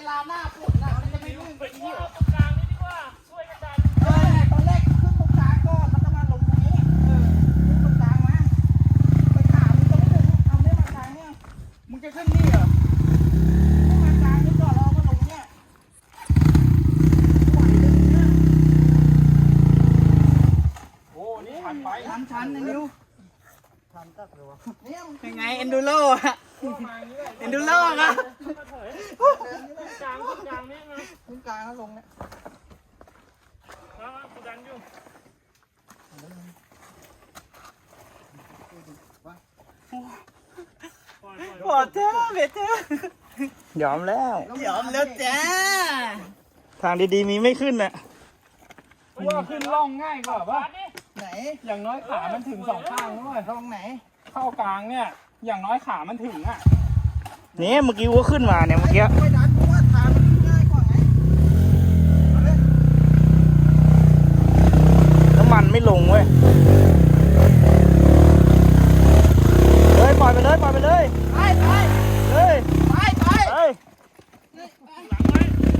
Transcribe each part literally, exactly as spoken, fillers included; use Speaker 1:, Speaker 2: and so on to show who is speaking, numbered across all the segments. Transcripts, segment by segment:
Speaker 1: ลาหน้าฝนน่ะมันจะไม่ลื่นไปที่
Speaker 2: ตรงกลางนี่ดีกว่าช่วยกันดัน
Speaker 1: เออตอนแรกขึ้นตรงกลางก่อนแล้วก็มาลงตรงนี้เออขึ้นตรงกลางมาไปขามึงจะไม่ถึงเอาเนี่ยมากลางเนี่ยมึงจะขึ้นนี่เหรอขึ้นมากลางนี่ก่อนแล้วก็ลงเนี่ยไหวเลยเนี่ย
Speaker 2: โอ้นี่ชันไป
Speaker 1: ชันชันนะนิว
Speaker 2: ชันตักเลยวะ
Speaker 1: เนี่ยมึง
Speaker 3: ยังไงเอนดูโร่อะเอนดูโร่อะ
Speaker 2: กลางกลางนี่มา
Speaker 1: ขึ้นกลางแล้วลงเนี่ย
Speaker 2: แล้วกูดันอยู่
Speaker 3: ปวดเท้าเบ็ดเท้าย
Speaker 4: อมแล้ว
Speaker 3: ยอมแล้วจ้า
Speaker 4: ทางดีๆมีไม่ขึ้นน่ะ
Speaker 2: ว่าขึ้นล่องง่ายกว่าป่ะ
Speaker 1: ไหน
Speaker 2: อย่างน้อยขามันถึงสองข้างด้วย
Speaker 1: ลงไหน
Speaker 2: เข้ากลางเนี่ย อย่างน้อยขามันถึงอ่ะ
Speaker 4: นี่เมื่อกี้วัวขึ้นมาเนี่ยเมื่อกี้
Speaker 1: ไม่ดันเพราะว่าทางมันง่ายกว่าไงเอาเลย
Speaker 4: น้ำมันไม่ลงเว้ยเฮ้ยปล่อยไปเลยปล่อยไปเลย
Speaker 1: ไปไป
Speaker 4: เฮ้ย
Speaker 1: ไปไป
Speaker 4: เฮ้ย
Speaker 2: หลังไว้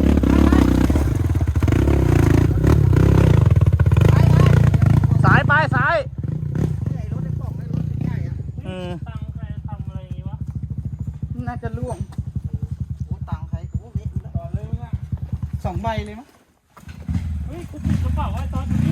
Speaker 4: สายไปสาย
Speaker 1: ไอ้รถไอ้ป่องไอ้รถใหญ่อะ
Speaker 4: อืม
Speaker 2: ตังใครทำอะไรอย่างงี้วะ
Speaker 1: น่าจะล่วงโอ้ตังค์ใครโอ้เละอยู่แล้ว
Speaker 2: ต่อเลยมึงอ่ะ
Speaker 1: สองใบเลยมั้ง
Speaker 2: เฮ้ยกูปิดกระเป๋าไว้ตอนนี้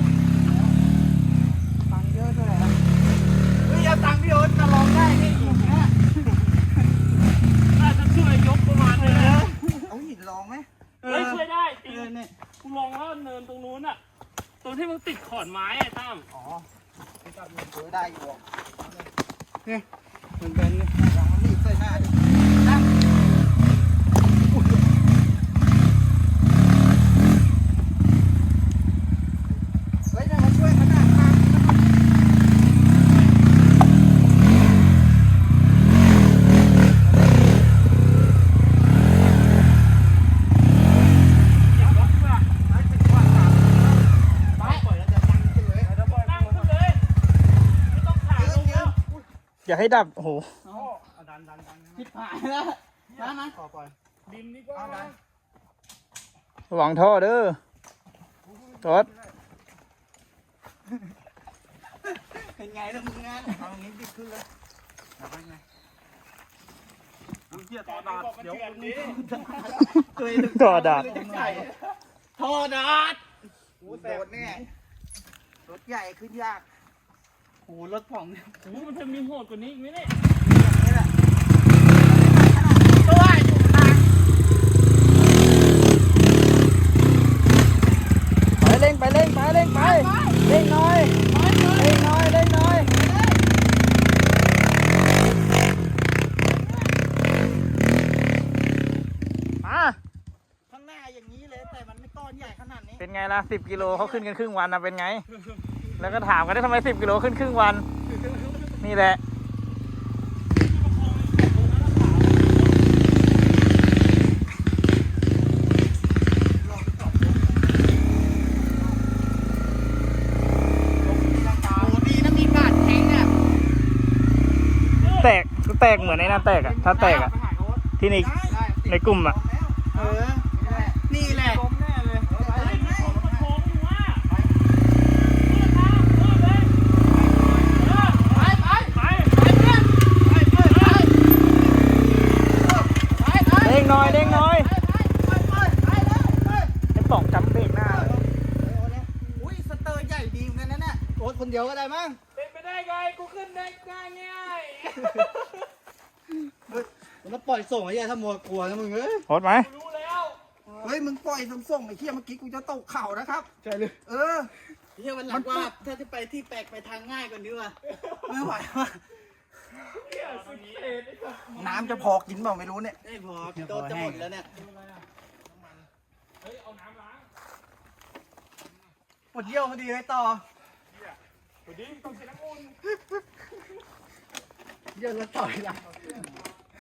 Speaker 1: ตังค์เยอะด้วยนะเฮ้ยเอาตังค์พี่โอ๊ตจะลองได้ไหมอีกนะ
Speaker 2: น่าจะช่วยยกประมาณนึงนะ
Speaker 1: เอาหินลองไหม
Speaker 2: เฮ้ยช่วยได้จริง
Speaker 1: เออเนี่ย
Speaker 2: กูลองแล้วเนินตรงนู้นอ่ะตรงที่มึงติดขอนไม้ไอ้ตั้ม
Speaker 1: อ๋อไปจับมือถือได้อยู่อ่ะเนี่ยเหมือนกันเนี่ยลองมันรีบใส่หน้าดินะเฮ้ยนั่นมาช่วยขนาดข้าง
Speaker 4: อย่าให้ดับ โอ้โห
Speaker 2: ดันดันดัน
Speaker 1: ผิดผายแล้วนะนะ
Speaker 2: ปล่อยดินนี่ก็
Speaker 4: ระวังท่อเด้อจอด
Speaker 1: เป็นไงล่ะมึงงานเอาอย่างนี้ดิขึ้นเลยเอาไปไง
Speaker 2: มึงเกียร์ต่อดาดเดี๋ยวคนนี้
Speaker 4: ต่อดาด
Speaker 1: ทอดาดโอ้โดดแน่รถใหญ่ขึ้นยากโอ้รถผ่องเนี่ย
Speaker 2: โอ้มันจะมีโหดกว่านี้อีกไหมเนี่ย
Speaker 1: อย่างนี้แหละตัวอยู่ทาง
Speaker 4: ไปเร่งไปเร่งไปเร่งไปเร่งหน่อยเร่งหน่อยเร่งหน่อยมา
Speaker 1: ข้างหน้าอย่างนี้เลยแต่มันไม่ก้อนใหญ่ขนาดนี้
Speaker 4: เป็นไงล่ะสิบกิโลเขาขึ้นกันครึ่งวันนะเป็นไง แล้วก็ถามกันได้ทำไมสิบกิโลขึ้นครึ่งวัน นี่แหละ
Speaker 1: โอ้ดีนะมีกาดแข็งเนี่ย
Speaker 4: แตกแตกเหมือนในนั้นแตกอะถ้าแตกอะที่ในในกลุ่มอะ
Speaker 1: เออนี่แหละ
Speaker 2: ล้มแน่เลยเฮ้ยมันของมันโค้งอยู่ว่ะไปไปไป
Speaker 4: เร่งหน่อยเร่งหน่อยไอ้ป่องจำเบรกหน้าเลย
Speaker 1: อุ้ยสเตอร์ใหญ่ดีเหมือนกันนะเนี่ยโอ๊ตคนเดียวก็ได้มั้ง
Speaker 2: เป็นไปได้ไงกูขึ้นได้ง่ายง่าย
Speaker 1: มันปล่อยส่งไอ้ยัยถ้ามัวกลัวนะมึงเอ้ย
Speaker 4: โหดไหม
Speaker 2: รู้แล้ว
Speaker 1: เฮ้ยมึงปล่อยส่งๆไอ้เหี้ยเมื่อกี้กูจะตกเข่านะครับใช่เลยเออ
Speaker 3: เฮียวันหลังว่าถ้าจะไปที่แปลกไปทางง่ายกว่านี้ว่ะ
Speaker 1: ไม่ไหวว่ะ
Speaker 2: เหี้ยสุดเอ็ดไอ้สัส
Speaker 1: น้ำจะพอกินเปล่าไม่รู้เนี่ย
Speaker 3: ได้พอโดนจะหมดแล้วเนี่ย
Speaker 2: เฮ้ยเอาน้ำล้าง
Speaker 1: ปวดเยี่ยวพอดีเลยต่อ
Speaker 2: เดี๋ยวดิต้องใช้น้ำอุ่น
Speaker 1: เยี่ยวแล้วต่อยละ
Speaker 2: เ